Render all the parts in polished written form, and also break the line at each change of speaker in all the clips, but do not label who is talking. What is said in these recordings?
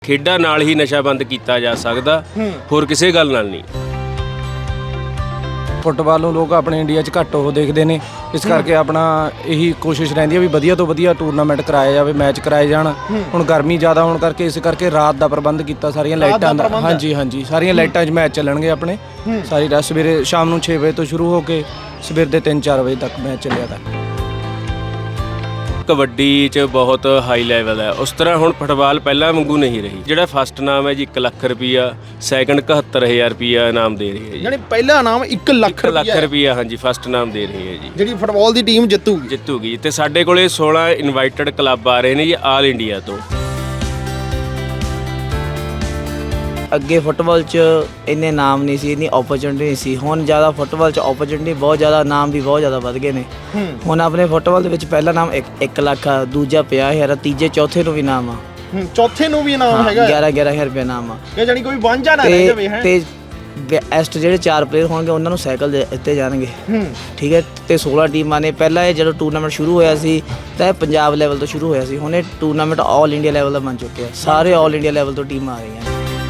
ਖੇਡਾਂ ਨਾਲ ਹੀ ਨਸ਼ਾ ਬੰਦ ਕੀਤਾ ਜਾ ਸਕਦਾ, ਹੋਰ ਕਿਸੇ ਗੱਲ ਨਾਲ ਨਹੀਂ।
ਫੁੱਟਬਾਲ ਨੂੰ ਲੋਕ ਆਪਣੇ ਇੰਡੀਆ 'ਚ ਘੱਟ ਉਹ ਦੇਖਦੇ ਨੇ, ਇਸ ਕਰਕੇ ਆਪਣਾ ਇਹੀ ਕੋਸ਼ਿਸ਼ ਰਹਿੰਦੀ ਹੈ ਵੀ ਵਧੀਆ ਤੋਂ ਵਧੀਆ ਟੂਰਨਾਮੈਂਟ ਕਰਾਇਆ ਜਾਵੇ, ਮੈਚ ਕਰਾਏ ਜਾਣ। ਹੁਣ ਗਰਮੀ ਜ਼ਿਆਦਾ ਹੋਣ ਕਰਕੇ ਇਸ ਕਰਕੇ ਰਾਤ ਦਾ ਪ੍ਰਬੰਧ ਕੀਤਾ, ਸਾਰੀਆਂ ਲਾਈਟਾਂ ਦਾ। ਹਾਂਜੀ, ਸਾਰੀਆਂ ਲਾਈਟਾਂ 'ਚ ਮੈਚ ਚੱਲਣਗੇ ਆਪਣੇ। ਸਾਰੀ ਰਾਤ ਸਵੇਰੇ ਸ਼ਾਮ ਨੂੰ 6 ਵਜੇ ਤੋਂ ਸ਼ੁਰੂ ਹੋ ਕੇ ਸਵੇਰ ਦੇ 3-4 ਵਜੇ ਤੱਕ ਮੈਚ ਚੱਲਿਆ ਤਾ।
ਕਬੱਡੀ 'ਚ ਬਹੁਤ ਹਾਈ ਲੈਵਲ ਹੈ, ਉਸ ਤਰ੍ਹਾਂ ਹੁਣ ਫੁੱਟਬਾਲ ਪਹਿਲਾਂ ਵਾਂਗੂ ਨਹੀਂ ਰਹੀ। ਜਿਹੜਾ ਫਸਟ ਨਾਮ ਹੈ ਜੀ 1 ਲੱਖ ਰੁਪਈਆ, ਸੈਕੰਡ 71,000 ਰੁਪਈਆ ਇਨਾਮ ਦੇ ਰਹੀ ਹੈ ਜੀ।
ਯਾਨੀ ਪਹਿਲਾ ਇਨਾਮ 1 ਲੱਖ
ਰੁਪਈਆ ਹਾਂਜੀ ਫਸਟ ਨਾਮ ਦੇ ਰਹੀ ਹੈ ਜੀ,
ਜਿਹੜੀ ਫੁੱਟਬਾਲ ਦੀ ਟੀਮ ਜਿੱਤੂਗੀ।
ਤੇ ਸਾਡੇ ਕੋਲੇ 16 ਇਨਵਾਈਟਡ ਕਲੱਬ ਆ ਰਹੇ ਨੇ ਜੀ ਆਲ ਇੰਡੀਆ ਤੋਂ।
ਅੱਗੇ ਫੁੱਟਬਾਲ 'ਚ ਇੰਨੇ ਨਾਮ ਨਹੀਂ ਸੀ, ਇੰਨੀ ਓਪਰਚੁਨਿਟੀ ਨਹੀਂ ਸੀ। ਹੁਣ ਜ਼ਿਆਦਾ ਫੁੱਟਬਾਲ 'ਚ ਓਪਰਚੁਨਿਟੀ ਬਹੁਤ ਜ਼ਿਆਦਾ, ਨਾਮ ਵੀ ਬਹੁਤ ਜ਼ਿਆਦਾ ਵੱਧ ਗਏ ਨੇ। ਹੁਣ ਆਪਣੇ ਫੁੱਟਬਾਲ ਦੇ ਵਿੱਚ ਪਹਿਲਾ ਨਾਮ 1 ਲੱਖ ਆ, ਦੂਜਾ 50,000 ਆ, ਤੀਜੇ ਚੌਥੇ ਨੂੰ ਵੀ ਨਾਮ ਆ।
ਚੌਥੇ ਨੂੰ ਵੀ ਇਨਾਮ ਹੈਗਾ
11,000 ਰੁਪਏ ਨਾਮ ਆ।
ਇਹ ਜਾਨੀ ਕੋਈ ਵਾਂਝਾ ਨਾ ਰਹਿ ਜਾਵੇ ਹੈ।
ਤੇ ਬੈਸਟ ਜਿਹੜੇ 4 ਪਲੇਅਰ ਹੋਣਗੇ ਉਹਨਾਂ ਨੂੰ ਸਾਈਕਲ ਦਿੱਤੇ ਜਾਣਗੇ। ਠੀਕ ਹੈ। ਤੇ 16 ਟੀਮਾਂ ਨੇ। ਪਹਿਲਾਂ ਇਹ ਜਦੋਂ ਟੂਰਨਾਮੈਂਟ ਸ਼ੁਰੂ ਹੋਇਆ ਸੀ ਤਾਂ ਇਹ ਪੰਜਾਬ ਲੈਵਲ ਤੋਂ ਸ਼ੁਰੂ ਹੋਇਆ ਸੀ। ਹੁਣ ਇਹ ਟੂਰਨਾਮੈਂਟ ਆਲ ਇੰਡੀਆ ਲੈਵਲ ਦਾ ਬਣ ਚੁੱਕਿਆ। ਸਾਰੇ ਆਲ ਇੰਡੀਆ ਲੈਵਲ ਤੋਂ ਟੀਮਾਂ ਆ ਰਹੀਆਂ ਨੇ।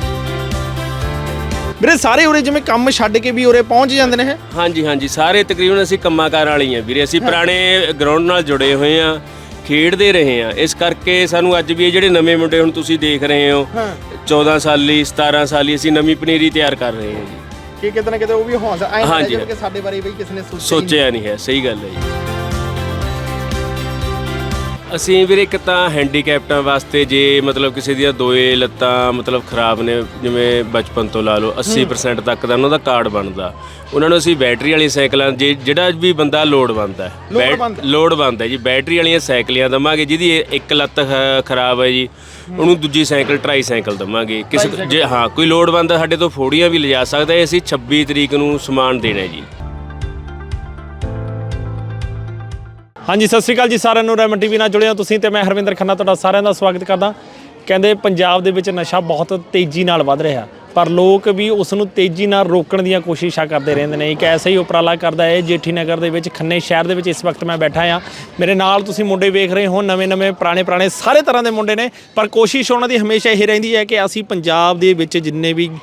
ਵੀਰੇ ਸਾਰੇ ਉਰੇ ਜਿਵੇਂ ਕੰਮ ਛੱਡ ਕੇ ਵੀ ਉਰੇ ਪਹੁੰਚ ਜਾਂਦੇ ਨੇ ਹੈ।
ਹਾਂਜੀ ਸਾਰੇ ਤਕਰੀਬਨ ਅਸੀਂ ਕੰਮਾਂ-ਕਾਰ ਵਾਲੇ ਹੀ ਆ ਵੀਰੇ। ਅਸੀਂ ਪੁਰਾਣੇ ਗਰਾਊਂਡ ਨਾਲ ਜੁੜੇ ਹੋਏ ਆ, ਖੇਡਦੇ ਰਹੇ ਆ, ਇਸ ਕਰਕੇ ਸਾਨੂੰ ਅੱਜ ਵੀ ਇਹ ਜਿਹੜੇ ਨਵੇਂ ਮੁੰਡੇ ਹੁਣ ਤੁਸੀਂ ਦੇਖ ਰਹੇ ਹੋ 14 ਸਾਲੀ 17 ਸਾਲੀ, ਅਸੀਂ ਨਵੀਂ ਪਨੀਰੀ ਤਿਆਰ ਕਰ ਰਹੇ ਹਾਂ ਜੀ।
ਕਿ ਕਿਤੇ ਨਾ ਕਿਤੇ ਉਹ ਵੀ ਹੌਸਲਾ ਆਏ ਨੇ ਕਿ ਸਾਡੇ ਬਾਰੇ ਵੀ ਕਿਸੇ ਨੇ
ਸੋਚਿਆ ਨਹੀਂ ਹੈ। ਸਹੀ ਗੱਲ ਹੈ ਜੀ। ਅਸੀਂ ਵੀਰੇ ਇੱਕ ਤਾਂ ਹੈਂਡੀਕੈਪਟਾਂ ਵਾਸਤੇ, ਜੇ ਮਤਲਬ ਕਿਸੇ ਦੀਆਂ ਦੋਏ ਲੱਤਾਂ ਮਤਲਬ ਖਰਾਬ ਨੇ, ਜਿਵੇਂ ਬਚਪਨ ਤੋਂ ਲਾ ਲਓ 80% ਤੱਕ ਦਾ ਉਹਨਾਂ ਦਾ ਕਾਰਡ ਬਣਦਾ, ਉਹਨਾਂ ਨੂੰ ਅਸੀਂ ਬੈਟਰੀ ਵਾਲੀ ਸਾਈਕਲਾਂ, ਜਿਹੜਾ ਵੀ ਬੰਦਾ ਲੋੜਵੰਦ ਹੈ ਜੀ, ਬੈਟਰੀ ਵਾਲੀਆਂ ਸਾਈਕਲੀਆਂ ਦੇਵਾਂਗੇ। ਜਿਹਦੀ ਇੱਕ ਲੱਤ ਖਰਾਬ ਹੈ ਜੀ, ਉਹਨੂੰ ਦੂਜੀ ਸਾਈਕਲ ਟਰਾਈ ਸਾਈਕਲ ਦੇਵਾਂਗੇ। ਕਿਸੇ ਜੇ ਕੋਈ ਲੋੜਵੰਦ ਸਾਡੇ ਤੋਂ ਫੋੜੀਆਂ ਵੀ ਲਿਜਾ ਸਕਦਾ ਹੈ। ਅਸੀਂ 26 ਤਰੀਕ ਨੂੰ ਸਮਾਨ ਦੇਣਾ ਜੀ।
ਹਾਂਜੀ, ਸਤਿ ਸ਼੍ਰੀ ਅਕਾਲ ਜੀ ਸਾਰਿਆਂ ਨੂੰ। ਰੈਮਨ ਟੀਵੀ ਨਾਲ ਜੁੜੇ ਹੋ ਤੁਸੀਂ ਤੇ ਮੈਂ ਹਰਵਿੰਦਰ ਖੰਨਾ ਤੁਹਾਡਾ ਸਾਰਿਆਂ ਦਾ ਸਵਾਗਤ ਕਰਦਾ। ਕਹਿੰਦੇ ਪੰਜਾਬ ਦੇ ਵਿੱਚ ਨਸ਼ਾ ਬਹੁਤ ਤੇਜ਼ੀ ਨਾਲ ਵੱਧ ਰਿਹਾ, ਪਰ ਲੋਕ ਵੀ ਉਸ ਨੂੰ ਤੇਜ਼ੀ ਨਾਲ ਰੋਕਣ ਦੀਆਂ ਕੋਸ਼ਿਸ਼ਾਂ ਕਰਦੇ ਰਹਿੰਦੇ ਨੇ। ਇੱਕ ਐਸਾ ਹੀ ਉਪਰਾਲਾ ਕਰਦਾ ਹੈ ਜੇਠੀ ਨਗਰ ਦੇ ਵਿੱਚ, ਖੰਨੇ ਸ਼ਹਿਰ ਦੇ ਵਿੱਚ ਇਸ ਵਕਤ ਮੈਂ ਬੈਠਾ ਹਾਂ। ਮੇਰੇ ਨਾਲ ਤੁਸੀਂ ਮੁੰਡੇ ਵੇਖ ਰਹੇ ਹੋ, ਨਵੇਂ ਪੁਰਾਣੇ ਸਾਰੇ ਤਰ੍ਹਾਂ ਦੇ ਮੁੰਡੇ ਨੇ, ਪਰ ਕੋਸ਼ਿਸ਼ ਉਹਨਾਂ ਦੀ ਹਮੇਸ਼ਾ ਇਹ ਰਹਿੰਦੀ ਹੈ ਕਿ ਅਸੀਂ ਪੰਜਾਬ ਦੇ ਵਿੱਚ ਜਿੰਨੇ ਵੀ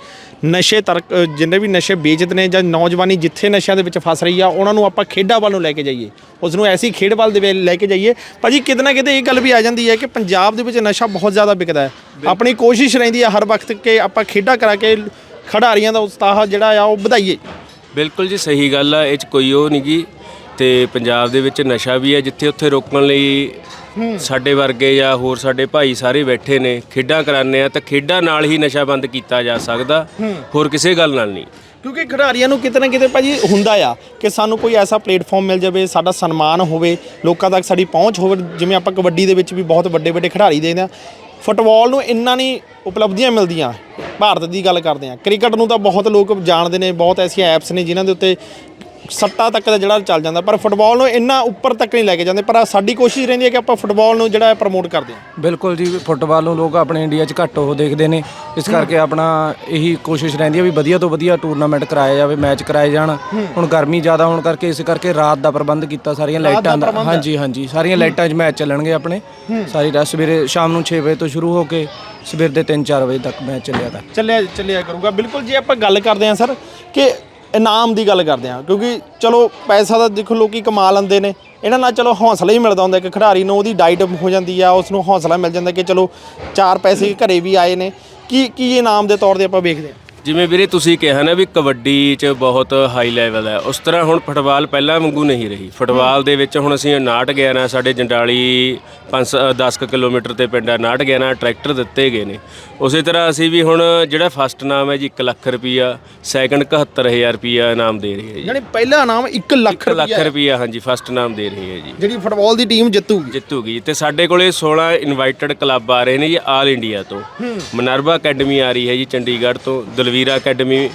ਨਸ਼ੇ ਵੇਚਦੇ ਨੇ ਜਾਂ ਨੌਜਵਾਨੀ ਜਿੱਥੇ ਨਸ਼ਿਆਂ ਦੇ ਵਿੱਚ ਫਸ ਰਹੀ ਆ, ਉਹਨਾਂ ਨੂੰ ਆਪਾਂ ਖੇਡਾਂ ਵੱਲ ਨੂੰ ਲੈ ਕੇ ਜਾਈਏ, ਉਸ ਨੂੰ ਐਸੀ ਖੇਡ ਵੱਲ ਦੇ ਲੈ ਕੇ ਜਾਈਏ। ਭਾਜੀ ਕਿਤੇ ਨਾ ਕਿਤੇ ਇਹ ਗੱਲ ਵੀ ਆ ਜਾਂਦੀ ਹੈ ਕਿ ਪੰਜਾਬ ਦੇ ਵਿੱਚ ਨਸ਼ਾ ਬਹੁਤ ਜ਼ਿਆਦਾ ਵਿਕਦਾ ਹੈ। ਆਪਣੀ ਕੋਸ਼ਿਸ਼ ਰਹਿੰਦੀ ਹੈ ਹਰ ਵਕਤ ਕਿ ਆਪਾਂ ਖੇਡਾਂ ਕਰਾ ਕੇ ਖਿਡਾਰੀਆਂ ਦਾ ਉਤਸ਼ਾਹ ਜਿਹੜਾ ਆ ਉਹ ਵਧਾਈਏ।
ਬਿਲਕੁਲ ਜੀ, ਸਹੀ ਗੱਲ ਆ, ਇਹ 'ਚ ਕੋਈ ਉਹ ਨਹੀਂ ਗੀ। ਤੇ ਪੰਜਾਬ ਦੇ ਵਿੱਚ ਨਸ਼ਾ ਵੀ ਹੈ, ਜਿੱਥੇ ਉੱਥੇ ਰੋਕਣ ਲਈ ਸਾਡੇ ਵਰਗੇ ਜਾਂ ਹੋਰ ਸਾਡੇ ਭਾਈ ਸਾਰੇ ਬੈਠੇ ਨੇ, ਖੇਡਾਂ ਕਰਾਉਂਦੇ ਆ, ਤਾਂ ਖੇਡਾਂ ਨਾਲ ਹੀ ਨਸ਼ਾ ਬੰਦ ਕੀਤਾ ਜਾ ਸਕਦਾ, ਹੋਰ ਕਿਸੇ ਗੱਲ ਨਾਲ ਨਹੀਂ।
ਕਿਉਂਕਿ ਖਿਡਾਰੀਆਂ ਨੂੰ ਕਿਤੇ ਨਾ ਕਿਤੇ ਭਾਜੀ ਹੁੰਦਾ ਆ ਕਿ ਸਾਨੂੰ ਕੋਈ ਐਸਾ ਪਲੇਟਫਾਰਮ ਮਿਲ ਜਾਵੇ, ਸਾਡਾ ਸਨਮਾਨ ਹੋਵੇ, ਲੋਕਾਂ ਤੱਕ ਸਾਡੀ ਪਹੁੰਚ ਹੋਵੇ। ਜਿਵੇਂ ਆਪਾਂ ਕਬੱਡੀ ਦੇ ਵਿੱਚ ਵੀ ਬਹੁਤ ਵੱਡੇ ਖਿਡਾਰੀ ਦੇਖਦੇ ਹਾਂ, ਫੁੱਟਬਾਲ ਨੂੰ ਇੰਨਾ ਨਹੀਂ ਉਪਲਬਧੀਆਂ ਮਿਲਦੀਆਂ। ਭਾਰਤ ਦੀ ਗੱਲ ਕਰਦੇ ਹਾਂ, ਕ੍ਰਿਕਟ ਨੂੰ ਤਾਂ ਬਹੁਤ ਲੋਕ ਜਾਣਦੇ ਨੇ, ਬਹੁਤ ਐਸੀਆਂ ਐਪਸ ਨੇ ਜਿਨ੍ਹਾਂ ਦੇ ਉੱਤੇ ਸੱਟਾਂ ਤੱਕ ਦਾ ਜਿਹੜਾ ਚੱਲ ਜਾਂਦਾ, ਪਰ ਫੁੱਟਬਾਲ ਨੂੰ ਇੰਨਾ ਉੱਪਰ ਤੱਕ ਨਹੀਂ ਲੈ ਕੇ ਜਾਂਦੇ। ਪਰ ਸਾਡੀ ਕੋਸ਼ਿਸ਼ ਰਹਿੰਦੀ ਹੈ ਕਿ ਆਪਾਂ ਫੁੱਟਬਾਲ ਨੂੰ ਜਿਹੜਾ ਪ੍ਰਮੋਟ ਕਰਦੇ ਹਾਂ।
ਬਿਲਕੁਲ ਜੀ, ਫੁੱਟਬਾਲ ਨੂੰ ਲੋਕ ਆਪਣੇ ਇੰਡੀਆ 'ਚ ਘੱਟ ਉਹ ਦੇਖਦੇ ਨੇ, ਇਸ ਕਰਕੇ ਆਪਣਾ ਇਹੀ ਕੋਸ਼ਿਸ਼ ਰਹਿੰਦੀ ਹੈ ਵੀ ਵਧੀਆ ਤੋਂ ਵਧੀਆ ਟੂਰਨਾਮੈਂਟ ਕਰਾਇਆ ਜਾਵੇ, ਮੈਚ ਕਰਾਏ ਜਾਣ। ਹੁਣ ਗਰਮੀ ਜ਼ਿਆਦਾ ਹੋਣ ਕਰਕੇ ਇਸ ਕਰਕੇ ਰਾਤ ਦਾ ਪ੍ਰਬੰਧ ਕੀਤਾ, ਸਾਰੀਆਂ ਲਾਈਟਾਂ ਦਾ। ਹਾਂਜੀ, ਸਾਰੀਆਂ ਲਾਈਟਾਂ 'ਚ ਮੈਚ ਚੱਲਣਗੇ ਆਪਣੇ। ਸਾਰੀ ਰਾਤ ਸਵੇਰੇ ਸ਼ਾਮ ਨੂੰ 6 ਵਜੇ ਤੋਂ ਸ਼ੁਰੂ ਹੋ ਕੇ ਸਵੇਰ ਦੇ 3-4 ਵਜੇ ਤੱਕ ਮੈਚ ਚੱਲਿਆ ਕਰੂਗਾ। ਬਿਲਕੁਲ ਜੀ, ਆਪਾਂ ਗੱਲ ਕਰਦੇ ਹਾਂ ਸਰ ਕਿ ਇਨਾਮ ਦੀ ਗੱਲ ਕਰਦੇ ਹਾਂ, ਕਿਉਂਕਿ ਚਲੋ ਪੈਸਾ ਤਾਂ ਦੇਖੋ ਲੋਕੀ ਕਮਾ ਲੈਂਦੇ ਨੇ, ਇਹਨਾਂ ਨਾਲ ਚਲੋ ਹੌਸਲਾ ਹੀ ਮਿਲਦਾ ਹੁੰਦਾ ਕਿ ਖਿਡਾਰੀ ਨੂੰ ਉਹਦੀ ਡਾਈਟ ਹੋ ਜਾਂਦੀ ਆ, ਉਸ ਨੂੰ ਹੌਸਲਾ ਮਿਲ ਜਾਂਦਾ ਕਿ ਚਲੋ 4 ਪੈਸੇ ਘਰੇ ਵੀ ਆਏ ਨੇ। ਕੀ ਇਨਾਮ ਦੇ ਤੌਰ 'ਤੇ ਆਪਾਂ ਵੇਖਦੇ ਹਾਂ? ਜਿਵੇਂ
ਵੀਰੇ ਤੁਸੀਂ ਕਿਹਾ ਨਾ ਵੀ ਕਬੱਡੀ 'ਚ ਬਹੁਤ ਹਾਈ ਲੈਵਲ ਹੈ, ਉਸ ਤਰ੍ਹਾਂ ਹੁਣ ਫੁੱਟਬਾਲ ਪਹਿਲਾਂ ਵਾਂਗੂ ਨਹੀਂ ਰਹੀ। ਫੁੱਟਬਾਲ ਦੇ ਵਿੱਚ ਹੁਣ ਅਸੀਂ 59-11 ਸਾਡੇ ਜੰਡਾਲੀ 10 ਕਿਲੋਮੀਟਰ ਤੇ ਪਿੰਡ 59-11 ਟਰੈਕਟਰ ਦਿੱਤੇ ਗਏ ਨੇ। ਉਸੇ ਤਰ੍ਹਾਂ ਅਸੀਂ ਵੀ ਹੁਣ ਜਿਹੜਾ ਫਸਟ ਨਾਮ ਹੈ ਜੀ 1 ਲੱਖ ਰੁਪਈਆ, ਸੈਕੰਡ 71,000 ਰੁਪਈਆ ਇਨਾਮ ਦੇ ਰਹੀ ਹੈ ਜੀ।
ਯਾਨੀ ਪਹਿਲਾ ਇਨਾਮ 1 ਲੱਖ
ਰੁਪਈਆ ਹਾਂਜੀ ਫਸਟ ਨਾਮ ਦੇ ਰਹੀ ਹੈ ਜੀ, ਜਿਹੜੀ
ਫੁੱਟਬਾਲ ਦੀ ਟੀਮ
ਜਿੱਤੂਗੀ। ਤੇ ਸਾਡੇ ਕੋਲੇ 16 ਇਨਵਾਈਟਡ ਕਲੱਬ ਆ ਰਹੇ ਨੇ ਜੀ ਆਲ ਇੰਡੀਆ ਤੋਂ। ਮਨਰਵਾ ਅਕੈਡਮੀ ਆ ਰਹੀ ਹੈ ਜੀ ਚੰਡੀਗੜ੍ਹ ਤੋਂ, ਦਲਵੀਰਾ ਅਕੈਡਮੀ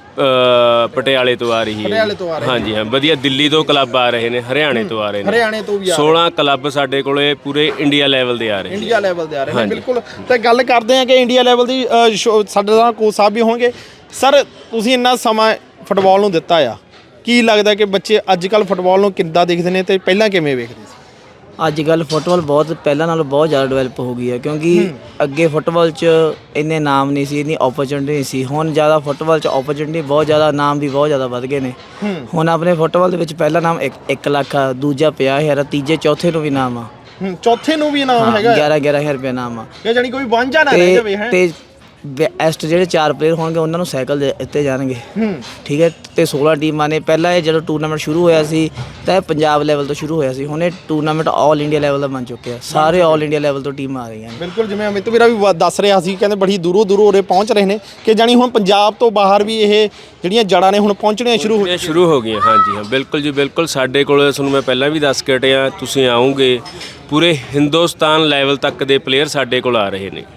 ਪਟਿਆਲੇ ਤੋਂ ਆ ਰਹੀ ਹੈ। ਹਾਂਜੀ ਵਧੀਆ। ਦਿੱਲੀ ਤੋਂ ਕਲੱਬ ਆ ਰਹੇ ਨੇ, ਹਰਿਆਣੇ ਤੋਂ ਆ ਰਹੇ ਨੇ, 16 ਕਲੱਬ ਸਾਡੇ ਕੋਲੇ ਪੂਰੇ ਇੰਡੀਆ ਲੈਵਲ ਦੇ ਆ ਰਹੇ ਨੇ।
ਬਿਲਕੁਲ। ਤੇ ਗੱਲ ਕਰਦੇ ਹਾਂ ਕਿ ਇੰਡੀਆ ਲੈਵਲ ਦੀ ਸਾਡੇ ਨਾਲ ਕੋਚ ਸਾਹਿਬ ਵੀ ਹੋਣਗੇ। ਸਰ, ਤੁਸੀਂ ਇੰਨਾ ਸਮਾਂ ਫੁੱਟਬਾਲ ਨੂੰ ਦਿੱਤਾ ਆ, ਕੀ ਲੱਗਦਾ ਕਿ ਬੱਚੇ ਅੱਜ ਕੱਲ੍ਹ ਫੁੱਟਬਾਲ ਨੂੰ ਕਿੱਦਾਂ ਦੇਖਦੇ ਨੇ ਤੇ ਪਹਿਲਾਂ ਕਿਵੇਂ ਵੇਖਦੇ ਸੀ?
ਅੱਜ ਕੱਲ ਫੁੱਟਬਾਲ ਬਹੁਤ ਪਹਿਲਾਂ ਨਾਲੋਂ ਬਹੁਤ ਜ਼ਿਆਦਾ ਡਿਵੈਲਪ ਹੋ ਗਈ ਹੈ ਕਿਉਂਕਿ ਅੱਗੇ ਫੁੱਟਬਾਲ 'ਚ ਇੰਨੇ ਨਾਮ ਨਹੀਂ ਸੀ, ਇੰਨੀ ਓਪਰਚੁਨਿਟੀ ਨਹੀਂ ਸੀ। ਹੁਣ ਜ਼ਿਆਦਾ ਫੁੱਟਬਾਲ 'ਚ ਓਪਰਚੁਨਿਟੀ ਬਹੁਤ ਜ਼ਿਆਦਾ, ਨਾਮ ਵੀ ਬਹੁਤ ਜ਼ਿਆਦਾ ਵੱਧ ਗਏ ਨੇ। ਹੁਣ ਆਪਣੇ ਫੁੱਟਬਾਲ ਦੇ ਵਿੱਚ ਪਹਿਲਾ ਨਾਮ 1 ਲੱਖ ਆ, ਦੂਜਾ 50,000 ਆ, ਤੀਜੇ ਚੌਥੇ ਨੂੰ ਵੀ ਨਾਮ ਆ।
ਚੌਥੇ ਨੂੰ ਵੀ ਇਨਾਮ ਹੈਗਾ
11,000 ਰੁਪਏ ਨਾਮ ਆ।
ਇਹ ਜਾਨੀ ਕੋਈ ਵਾਂਝਾ ਨਾ ਰਹਿ ਜਾਵੇ ਹੈ।
ਤੇ ਬੈਸਟ ਜਿਹੜੇ 4 ਪਲੇਅਰ ਹੋਣਗੇ ਉਹਨਾਂ ਨੂੰ ਸਾਈਕਲ ਦਿੱਤੇ ਜਾਣਗੇ। ਠੀਕ ਹੈ। ਤੇ 16 ਟੀਮਾਂ ਨੇ। ਪਹਿਲਾਂ ਇਹ ਜਦੋਂ ਟੂਰਨਾਮੈਂਟ ਸ਼ੁਰੂ ਹੋਇਆ ਸੀ ਤਾਂ ਇਹ ਪੰਜਾਬ ਲੈਵਲ ਤੋਂ ਸ਼ੁਰੂ ਹੋਇਆ ਸੀ। ਹੁਣ ਇਹ ਟੂਰਨਾਮੈਂਟ ਆਲ ਇੰਡੀਆ ਲੈਵਲ ਦਾ ਬਣ ਚੁੱਕਿਆ। ਸਾਰੇ ਆਲ ਇੰਡੀਆ ਲੈਵਲ ਤੋਂ ਟੀਮਾਂ ਆ ਰਹੀਆਂ ਨੇ।
ਬਿਲਕੁਲ, ਜਿਵੇਂ ਅਮਿਤ ਵੀਰਾ ਵੀ ਦੱਸ ਰਿਹਾ ਸੀ, ਕਹਿੰਦੇ ਬੜੀ ਦੂਰੋਂ ਦੂਰੋਂ ਉਰੇ ਪਹੁੰਚ ਰਹੇ ਨੇ ਕਿ ਜਾਨੀ ਹੁਣ ਪੰਜਾਬ ਤੋਂ ਬਾਹਰ ਵੀ ਇਹ ਜਿਹੜੀਆਂ ਜੜ੍ਹਾਂ ਨੇ ਹੁਣ ਪਹੁੰਚਣੀਆਂ
ਸ਼ੁਰੂ ਹੋ ਗਈਆਂ। ਹਾਂਜੀ ਹਾਂ, ਬਿਲਕੁਲ ਜੀ, ਬਿਲਕੁਲ। ਸਾਡੇ ਕੋਲ ਤੁਹਾਨੂੰ ਮੈਂ ਪਹਿਲਾਂ ਵੀ ਦੱਸ ਕੇ ਹਟਿਆ, ਤੁਸੀਂ ਆਉਂਗੇ ਪੂਰੇ ਹਿੰਦੁਸਤਾਨ ਲੈਵਲ ਤੱਕ ਦੇ ਪਲੇਅਰ ਸਾਡੇ ਕੋਲ ਆ ਰਹੇ ਨੇ।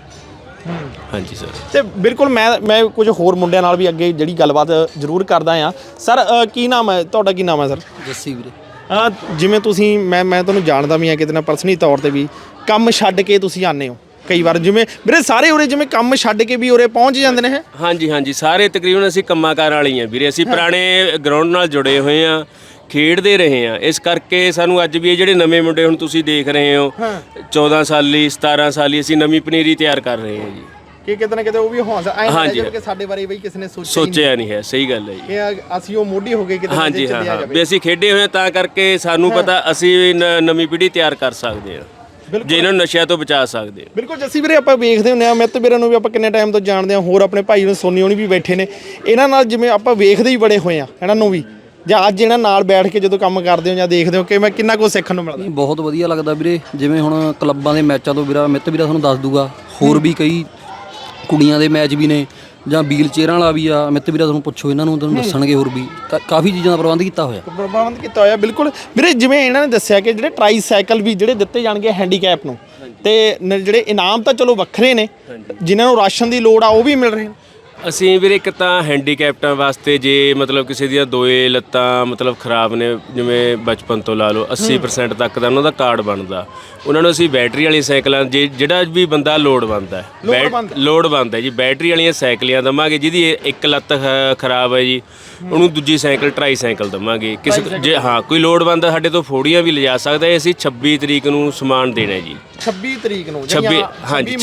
ਹਾਂਜੀ ਸਰ।
ਤੇ ਬਿਲਕੁਲ ਮੈਂ ਕੁਝ ਹੋਰ ਮੁੰਡਿਆਂ ਨਾਲ ਵੀ ਅੱਗੇ ਜਿਹੜੀ ਗੱਲਬਾਤ ਜ਼ਰੂਰ ਕਰਦਾ ਆ। ਸਰ ਕੀ ਨਾਮ ਹੈ ਤੁਹਾਡਾ? ਕੀ ਨਾਮ ਹੈ ਸਰ?
ਜੱਸੀ ਵੀਰੇ।
ਜਿਵੇਂ ਤੁਸੀਂ ਮੈਂ ਤੁਹਾਨੂੰ ਜਾਣਦਾ ਵੀ ਆ ਕਿਤੇ ਨਾ ਪਰਸਨਲੀ ਤੌਰ ਤੇ ਵੀ, ਕੰਮ ਛੱਡ ਕੇ ਤੁਸੀਂ ਆਉਂਦੇ ਹੋ ਕਈ ਵਾਰ, ਜਿਵੇਂ ਵੀਰੇ ਸਾਰੇ ਉਰੇ ਜਿਵੇਂ ਕੰਮ ਛੱਡ ਕੇ ਵੀ ਉਰੇ ਪਹੁੰਚ ਜਾਂਦੇ ਨੇ।
ਹਾਂਜੀ ਹਾਂਜੀ, ਸਾਰੇ ਤਕਰੀਬਨ ਅਸੀਂ ਕੰਮਾਂ ਕਾਰਾਂ ਵਾਲੀ ਆ ਵੀਰੇ। ਅਸੀਂ ਪੁਰਾਣੇ ਗਰਾਊਂਡ ਨਾਲ ਜੁੜੇ ਹੋਏ ਆ, ਖੇਡਦੇ ਰਹੇ ਆ। ਇਸ ਕਰਕੇ ਸਾਨੂੰ ਅੱਜ ਵੀ ਇਹ ਜਿਹੜੇ ਨਵੇਂ ਮੁੰਡੇ ਹੁਣ ਤੁਸੀਂ ਦੇਖ ਰਹੇ ਹੋ 14 ਸਾਲੀ 17 ਸਾਲੀ, ਅਸੀਂ ਨਵੀਂ ਪਨੀਰੀ ਤਿਆਰ ਕਰ ਰਹੇ ਹਾਂ ਜੀ।
ਕਿ ਕਿਤੇ ਨਾ ਕਿਤੇ ਉਹ ਵੀ ਹੌਸਲਾ ਆਇਆ ਕਿ ਸਾਡੇ ਬਾਰੇ ਬਈ ਕਿਸੇ ਨੇ
ਸੋਚਿਆ ਨਹੀਂ ਹੈ। ਸਹੀ ਗੱਲ ਹੈ ਜੀ।
ਕਿ ਅਸੀਂ ਉਹ ਮੋਢੀ ਹੋ ਗਏ ਕਿਤੇ ਨਾ
ਹਾਂਜੀ ਹਾਂ, ਵੀ ਅਸੀਂ ਖੇਡੇ ਹੋਏ ਤਾਂ ਕਰਕੇ ਸਾਨੂੰ ਪਤਾ ਅਸੀਂ ਨਵੀਂ ਪੀੜ੍ਹੀ ਤਿਆਰ ਕਰ ਸਕਦੇ ਹਾਂ, ਜੇ ਇਹਨਾਂ ਨੂੰ ਨਸ਼ਿਆਂ ਤੋਂ ਬਚਾ ਸਕਦੇ।
ਬਿਲਕੁਲ ਜੱਸੀ ਵੀਰੇ, ਆਪਾਂ ਵੇਖਦੇ ਹੁੰਦੇ ਆ ਮਿੱਤ ਵੀਰਾਂ ਨੂੰ ਵੀ ਆਪਾਂ ਕਿੰਨੇ ਟਾਈਮ ਤੋਂ ਜਾਣਦੇ ਆ, ਹੋਰ ਆਪਣੇ ਭਾਈ ਨੂੰ ਸੋਨੀ ਹੋਣੀ ਵੀ ਬੈਠੇ ਨੇ। ਇਹਨਾਂ ਨਾਲ ਜਿਵੇਂ ਆਪਾਂ ਵੇਖਦੇ ਹੀ ਬੜੇ ਹੋਏ ਆ ਇਹਨਾਂ ਨੂੰ ਵੀ, ਜਾਂ ਅੱਜ ਇਹਨਾਂ ਨਾਲ ਬੈਠ ਕੇ ਜਦੋਂ ਕੰਮ ਕਰਦੇ ਹੋ ਜਾਂ ਦੇਖਦੇ ਹੋ ਕਿ ਮੈਂ ਕਿੰਨਾ ਕੁਝ ਸਿੱਖਣ ਨੂੰ ਮਿਲਦਾ।
ਬਹੁਤ ਵਧੀਆ ਲੱਗਦਾ ਵੀਰੇ। ਜਿਵੇਂ ਹੁਣ ਕਲੱਬਾਂ ਦੇ ਮੈਚਾਂ ਤੋਂ ਮਿੱਤ ਵੀਰਾ ਤੁਹਾਨੂੰ ਦੱਸ ਦੂਗਾ, ਹੋਰ ਵੀ ਕਈ ਕੁੜੀਆਂ ਦੇ ਮੈਚ ਵੀ ਨੇ ਜਾਂ ਵੀਲ ਚੇਅਰਾਂ ਵਾਲਾ ਵੀ ਆ। ਮਿੱਤ ਵੀਰਾ ਤੁਹਾਨੂੰ ਪੁੱਛੋ, ਇਹਨਾਂ ਨੂੰ ਤੁਹਾਨੂੰ ਦੱਸਣਗੇ। ਹੋਰ ਵੀ ਕਾਫੀ ਚੀਜ਼ਾਂ ਦਾ ਪ੍ਰਬੰਧ ਕੀਤਾ ਹੋਇਆ।
ਬਿਲਕੁਲ ਵੀਰੇ, ਜਿਵੇਂ ਇਹਨਾਂ ਨੇ ਦੱਸਿਆ ਕਿ ਜਿਹੜੇ ਟਰਾਈ ਸਾਈਕਲ ਵੀ ਜਿਹੜੇ ਦਿੱਤੇ ਜਾਣਗੇ ਹੈਂਡੀਕੈਪ ਨੂੰ, ਤੇ ਜਿਹੜੇ ਇਨਾਮ ਤਾਂ ਚਲੋ ਵੱਖਰੇ ਨੇ, ਜਿਨ੍ਹਾਂ ਨੂੰ ਰਾਸ਼ਨ ਦੀ ਲੋੜ ਆ ਉਹ ਵੀ ਮਿਲ ਰਹੇ ਨੇ।
ਅਸੀਂ ਵੀਰੇ ਇੱਕ ਤਾਂ ਹੈਂਡੀਕੈਪਟਾਂ ਵਾਸਤੇ ਜੇ ਮਤਲਬ ਕਿਸੇ ਦੀਆਂ ਦੋਏ ਲੱਤਾਂ ਮਤਲਬ ਖਰਾਬ ਨੇ, ਜਿਵੇਂ ਬਚਪਨ ਤੋਂ ਲਾ ਲਓ 80% ਤੱਕ ਦਾ ਉਹਨਾਂ ਦਾ ਕਾਰਡ ਬਣਦਾ, ਉਹਨਾਂ ਨੂੰ ਅਸੀਂ ਬੈਟਰੀ ਵਾਲੀ ਸਾਈਕਲਾਂ ਜਿਹੜਾ ਵੀ ਬੰਦਾ ਲੋੜਵੰਦ ਹੈ ਜੀ, ਬੈਟਰੀ ਵਾਲੀਆਂ ਸਾਈਕਲੀਆਂ ਦੇਵਾਂਗੇ। ਜਿਹਦੀ ਇੱਕ ਲੱਤ ਖਰਾਬ ਹੈ ਜੀ, ਉਹਨੂੰ ਦੂਜੀ ਸਾਈਕਲ ਟਰਾਈ ਸਾਈਕਲ ਦੇਵਾਂਗੇ। ਕਿਸੇ ਜੇ ਕੋਈ ਲੋੜਵੰਦ ਸਾਡੇ ਤੋਂ ਫੋੜੀਆਂ ਵੀ ਲਿਜਾ ਸਕਦਾ ਹੈ। ਅਸੀਂ 26 ਤਰੀਕ ਨੂੰ ਸਮਾਨ ਦੇਣਾ ਜੀ।
26 ਤਰੀਕ ਨੂੰ?
ਹਾਂਜੀ,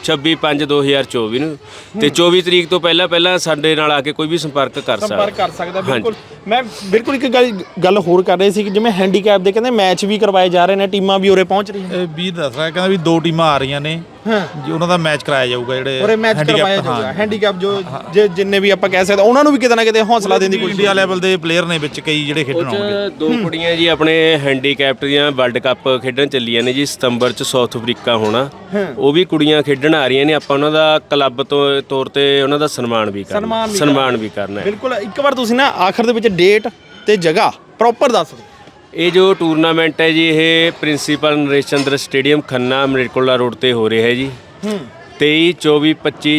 26/5/2024 ਨੂੰ। ਤੇ 24 ਤਰੀਕ ਤੋਂ ਪਹਿਲਾਂ ਸਾਡੇ ਨਾਲ ਆ ਕੇ ਕੋਈ ਵੀ ਸੰਪਰਕ ਕਰ
ਸਕਦਾ। ਬਿਲਕੁਲ, ਮੈਂ ਬਿਲਕੁਲ ਇੱਕ ਗੱਲ ਹੋਰ ਕਰ ਰਹੇ ਸੀ ਕਿ ਜਿਵੇਂ ਹੈਂਡੀਕੈਪ ਦੇ ਕਹਿੰਦੇ ਮੈਚ ਵੀ ਕਰਵਾਏ ਜਾ ਰਹੇ ਨੇ, ਟੀਮਾਂ ਵੀ ਉਰੇ ਪਹੁੰਚ ਰਹੀਆਂ।
ਵੀਰ ਦੱਸ ਰਿਹਾ, ਕਹਿੰਦਾ ਵੀ 2 ਟੀਮਾਂ ਆ ਰਹੀਆਂ ਨੇ ਜੀ, ਉਹਨਾਂ ਦਾ ਮੈਚ ਕਰਾਇਆ ਜਾਊਗਾ। ਜਿਹੜੇ
ਉਰੇ ਮੈਚ ਕਰਵਾਇਆ ਜਾਊਗਾ ਹੈਂਡੀਕੈਪ ਜੋ ਜਿੰਨੇ ਵੀ ਆਪਾਂ ਕਹਿ ਸਕਦੇ, ਉਹਨਾਂ ਨੂੰ ਵੀ ਕਿਤੇ ਨਾ ਕਿਤੇ ਹੌਸਲਾ ਦੇਣ ਦੀ ਕੋਸ਼ਿਸ਼।
ਇੰਡੀਆ ਲੈਵਲ ਦੇ ਪਲੇਅਰ ਨੇ ਵਿੱਚ ਕਈ ਜਿਹੜੇ ਖੇਡਣ ਆਉਣਗੇ।
2 ਕੁੜੀਆਂ ਜੀ ਆਪਣੇ ਹੈਂਡੀਕੈਪਟ ਦੀਆਂ ਵਰਲਡ ਕੱਪ ਖੇਡਣ ਚੱਲੀਆਂ ਨੇ ਜੀ, ਸਤੰਬਰ 'ਚ ਸਾਊਥ ਅਫਰੀਕਾ ਹੋਣਾ। ਉਹ ਵੀ ਕੁੜੀਆਂ ਖੇਡਣ ਆ ਰਹੀਆਂ ਨੇ। ਆਪਾਂ ਉਹਨਾਂ ਦਾ ਕਲੱਬ ਤੋਂ ਤੌਰ ਤੇ ਉਹਨਾਂ ਦਾ ਸਨਮਾਨ ਵੀ ਕਰਨਾ ਹੈ।
ਬਿਲਕੁਲ, ਇੱਕ ਵਾਰ ਤੁਸੀਂ ਨਾ ਆਖਰ ਦੇ ਵਿੱਚ ਡੇਟ ਤੇ ਜਗ੍ਹਾ ਪ੍ਰੋਪਰ ਦੱਸ ਦਿਓ।
ਇਹ ਜੋ ਟੂਰਨਾਮੈਂਟ ਹੈ ਜੀ, ਇਹ principal Naresh Chander stadium Khanna Malerkotla road ਤੇ ਹੋ ਰਿਹਾ ਹੈ ਜੀ। 23, 24, 25,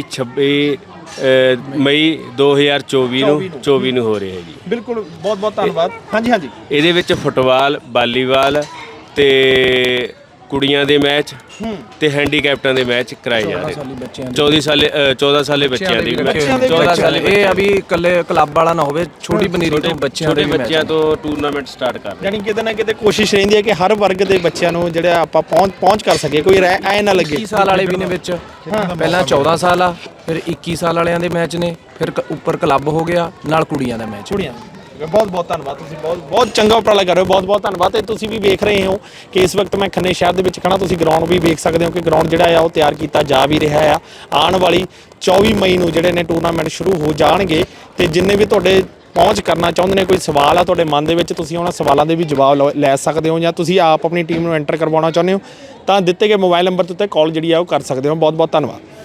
26 ਮਈ 2024 ਨੂੰ ਹੋ ਰਿਹਾ ਹੈ ਜੀ।
ਬਿਲਕੁਲ, ਬਹੁਤ ਬਹੁਤ ਧੰਨਵਾਦ। ਹਾਂਜੀ।
ਇਹਦੇ ਵਿੱਚ ਫੁੱਟਬਾਲ, ਵਾਲੀਬਾਲ ਤੇ ਕੁੜੀਆਂ ਦੇ ਮੈਚ ਤੇ ਹੈਂਡੀਕੈਪਟਾਂ ਦੇ ਮੈਚ ਕਰਾਏ ਜਾ ਰਹੇ ਨੇ। 14 ਸਾਲੇ ਬੱਚਿਆਂ ਦੇ
ਇਹ ਆ ਵੀ ਇਕੱਲੇ ਕਲੱਬ ਵਾਲਾ ਨਾ ਹੋਵੇ, ਛੋਟੀ ਪਨੀਰੀ ਤੋਂ ਬੱਚਿਆਂ
ਤੋਂ ਟੂਰਨਾਮੈਂਟ ਸਟਾਰਟ ਕਰ ਰਹੇ।
ਯਾਨੀ ਕਿਤੇ ਨਾ ਕਿਤੇ ਕੋਸ਼ਿਸ਼ ਰਹਿੰਦੀ ਹੈ ਕਿ ਹਰ ਵਰਗ ਦੇ ਬੱਚਿਆਂ ਨੂੰ ਜਿਹੜਾ ਆਪਾਂ ਪਹੁੰਚ ਕਰ ਸਕੀਏ, ਕੋਈ ਐ ਨਾ ਲੱਗੇ।
21 ਸਾਲ ਵਾਲੇ ਵੀ ਨੇ ਵਿੱਚ, ਪਹਿਲਾਂ 14 ਸਾਲ ਆ, ਫਿਰ 21 ਸਾਲ ਵਾਲਿਆਂ ਦੇ ਮੈਚ ਨੇ, ਫਿਰ ਉੱਪਰ ਕਲੱਬ ਹੋ ਗਿਆ, ਨਾਲ ਕੁੜੀਆਂ ਦਾ ਮੈਚ।
ਬਹੁਤ ਬਹੁਤ ਧੰਨਵਾਦ, ਤੁਸੀਂ ਬਹੁਤ ਚੰਗਾ ਉਪਰਾਲਾ ਕਰ ਰਹੇ ਹੋ। ਬਹੁਤ ਬਹੁਤ ਧੰਨਵਾਦ। ਤੇ ਤੁਸੀਂ ਵੀ ਵੇਖ ਰਹੇ ਹੋ ਕਿ ਇਸ ਵਕਤ ਮੈਂ ਖੰਨੇ ਸ਼ਹਿਰ ਦੇ ਵਿੱਚ ਖੜਾ। ਤੁਸੀਂ ਗਰਾਊਂਡ ਵੀ ਵੇਖ ਸਕਦੇ ਹੋ ਕਿ ਗਰਾਊਂਡ ਜਿਹੜਾ ਆ ਉਹ ਤਿਆਰ ਕੀਤਾ ਜਾ ਵੀ ਰਿਹਾ ਆ। ਆਉਣ ਵਾਲੀ 24 ਮਈ ਨੂੰ ਜਿਹੜੇ ਨੇ ਟੂਰਨਾਮੈਂਟ ਸ਼ੁਰੂ ਹੋ ਜਾਣਗੇ। ਤੇ ਜਿੰਨੇ ਵੀ ਤੁਹਾਡੇ ਪਹੁੰਚ ਕਰਨਾ ਚਾਹੁੰਦੇ ਨੇ, ਕੋਈ ਸਵਾਲ ਆ ਤੁਹਾਡੇ ਮਨ ਦੇ ਵਿੱਚ, ਤੁਸੀਂ ਉਹਨਾਂ ਸਵਾਲਾਂ ਦੇ ਵੀ ਜਵਾਬ ਲੈ ਸਕਦੇ ਹੋ, ਜਾਂ ਤੁਸੀਂ ਆਪ ਆਪਣੀ ਟੀਮ ਨੂੰ ਐਂਟਰ ਕਰਵਾਉਣਾ ਚਾਹੁੰਦੇ ਹੋ ਤਾਂ ਦਿੱਤੇ ਗਏ ਮੋਬਾਈਲ ਨੰਬਰ ਤੇ ਕਾਲ ਜਿਹੜੀ ਆ ਉਹ ਕਰ ਸਕਦੇ ਹੋ। ਬਹੁਤ ਬਹੁਤ ਧੰਨਵਾਦ।